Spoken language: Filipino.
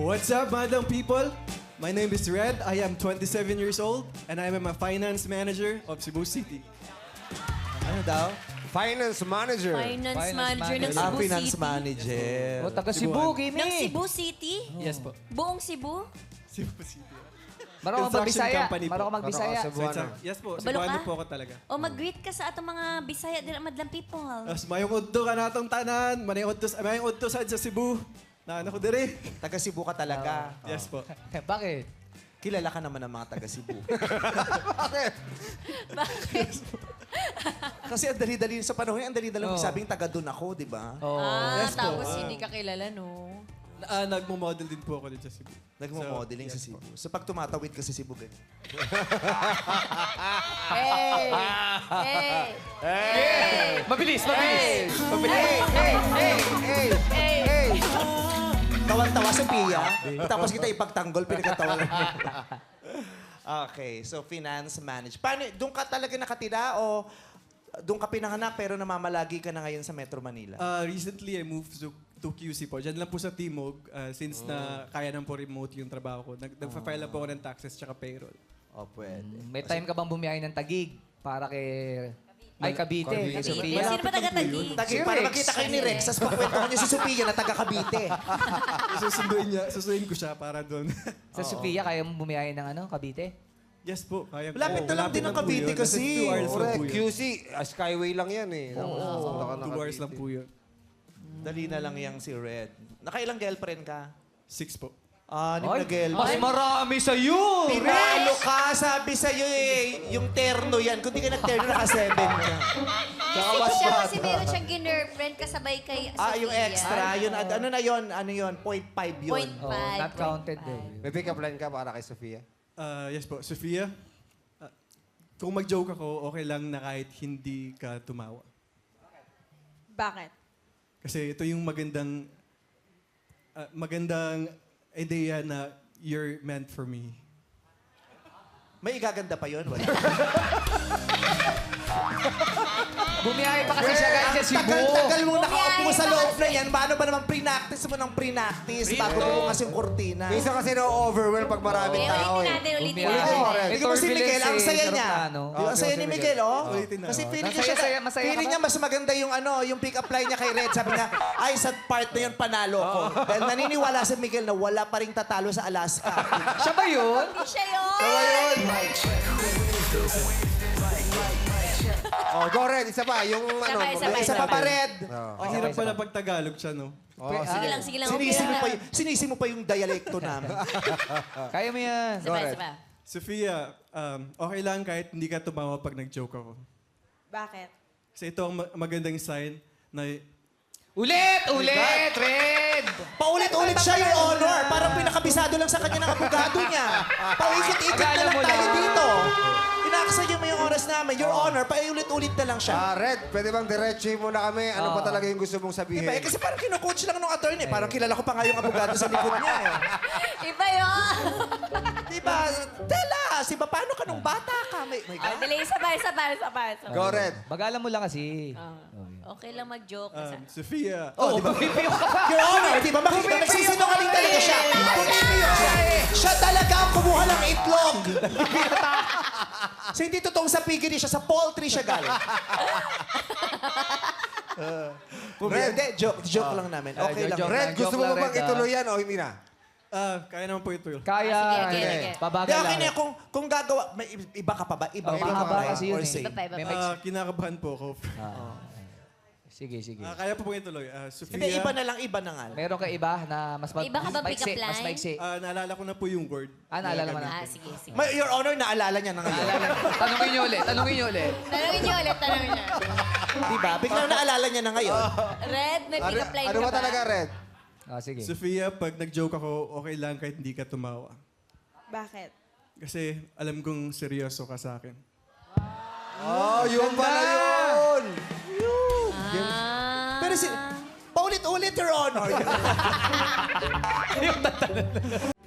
What's up, madam people? My name is Red. I am 27 years old, and I am a finance manager of Cebu City. Ano daw? Finance manager. Finance manager ng Ah, Cebu finance City. manager. O, taga Cebu, Cebuan. Kimi. Ng Cebu City? Yes po. Buong Cebu? Cebu City. Marunong ka Construction magbisaya. company po. Marunong ka magbisaya. Marunong ka Cebuano. Yes po, Kabalo Cebuano ka? po ako talaga. O mag-greet ka sa atong mga Bisaya din madlang people. As mayong udto ka natong tanan, mayong udto sa Cebu. Na ano ko dire? Taga Cebu ka talaga. Yes po. Bakit? Kilala ka naman ng mga taga Cebu. Bakit? Kasi ang dali-dali sa panahon, ang dali-dali Oo. sabing taga doon ako, di ba? Oh. Yes po. Tapos hindi ka kilala, no? Nagmo-model din po ako dito sa Cebu. Nagmo-modeling So, sa yes Cebu. So pag tumatawid ka sa Cebu, ganyan. Hey! Hey! Mabilis, mabilis. Hey! Tawan-tawa sa Pia. Tapos kita ipagtanggol, pinagkatawa lang. Okay, so finance manage. Paano, doon ka talaga nakatira o doon ka pinanganak pero namamalagi ka na ngayon sa Metro Manila? Recently, I moved to QC po. Diyan lang po sa Timog, since na kaya nang po remote yung trabaho ko. Nagpa-file lang po ako ng taxes tsaka payroll. Oh, pwede. May time ka bang bumiyahe ng Tagig para kay... Ay, Cavite. Kay Cavite. Sofia. Sino ba taga-Tagig? Tagi, Si para Rex. makita kayo ni Rex, tapos pakwento niya si Sophia na taga Cavite. Susunduin ko siya para doon. Sa Sofia, kaya mo bumiyahe ng ano, Cavite? Yes po, kaya Lapit na lang din ang po Cavite yun. kasi. 2 hours lang Correct. po yun. QC, Skyway lang yan eh. Punta ka na 2 hours Cavite. lang po yun. Dali na lang yang si Red. Nakailang girlfriend ka? 6 po. Anim na Mas girlfriend. marami sa'yo! Tinalo ka, sabi sa'yo eh. Yung terno yan. Kung di ka nag-terno, naka-7 ka. Six siya kasi meron siyang girlfriend kasabay kay Sofia. Yung extra. Yun, ano na yun? Ano yun? 0.5 yun. Point Oh, not 5. counted eh. May pick-up line ka para kay Sofia? Yes po, Sofia, kung mag-joke ako, okay lang na kahit hindi ka tumawa. Bakit? Kasi ito yung magandang idea na you're meant for me. May igaganda pa yun. Wala. Bumiyahe pa kasi siya guys sa Cebu. Tagal mo nakaupo Bumiyahe sa pa loob kasi. na yan. Paano ba naman pre-practice mo ng pre-practice bago bukas yung kortina? Minsan kasi na-overwhelm pag maraming Okay, tao ulitin eh. natin, ulitin Bumiyahe. natin. Tingnan mo si Miguel, ang saya niya. Aeroplano. Di ba, ang saya ni Miguel, oh? Ulitin na, Kasi oh. feeling niya, Masaya feeling ka niya ba? mas maganda yung yung pick-up line niya kay Red. Sabi niya, ay, sa part na yun, panalo ko. Dahil naniniwala si Miguel na wala pa rin tatalo sa Alaska. Siya ba yun? Hindi siya yun! Oh, go Red, isa pa. Yung ano. Isa pa, Isa pa pa, Red. Ang hirap pala pag Tagalog siya, no? Sige lang, sige lang. Sinisi mo pa yung dialekto namin. Kaya mo yan. Isa pa, isa pa. Sofia, okay lang kahit hindi ka tumawa pag nag-joke ako. Bakit? Kasi ito ang magandang sign na Ulit! Ulit! Red! Paulit-ulit siya, Your Honor. Parang pinakabisado lang sa kanya ng abogado niya. Paikot-ikot na Akala lang mo tayo lang. dito. Inaksaya mo yung oras namin. Your Honor, paulit-ulit na lang siya. Red, pwede bang diretso mo na kami? Ano ba talaga yung gusto mong sabihin? Diba? Kasi parang kino-coach lang nung attorney. Parang kilala ko pa nga yung abogado sa likod niya. Iba yun! Diba? Tell us, iba, paano ka nung bata ka? My God. Dali, isa pa, isa pa, isa pa. Isa pa. Go Red. Bagalan mo lang kasi. Okay lang mag-joke. Sofia, Oh, diba? Your Honor, di ba? Makikita, nagsisinungaling talaga siya. Siya talaga ang kumuha ng itlog. So, hindi totoong sa piggery siya, sa poultry siya galing. Hindi, joke lang namin. Okay lang. joke Red, lang, gusto mo joke ba lang, bang Red, ituloy yan o hindi na? kaya naman po ito yun. Kaya. Sige, okay. Babagal Hindi, lang. okay na. Kung gagawa, may iba ka pa ba? Iba Oh, ka pa mahaba ba? kasi yun Or eh. say? Iba pa, iba May pa. Kinakabahan po ako. Sige, sige. Kaya po ituloy. Sofia, Hindi, iba na lang, iba na nga. Meron ka iba na mas Iba ka ba pick-up maiksi, mas line? maiksi. naalala ko na po yung word. Naalala mo na. Sige, sige. Your Honor, naalala niya na ngayon. Tanungin niyo ulit, tanungin niyo ulit. Tanungin niyo ulit, tanungin niyo. Diba? Biglang naalala niya na ngayon. Red, may pick-up line Ano ka ba ba? talaga Red? Sige. Sofia, pag nag-joke ako, okay lang kahit hindi ka tumawa. Bakit? Kasi alam kong seryoso ka sa akin. Oh, yun pala yun! Pero paulit-ulit, Your Honor.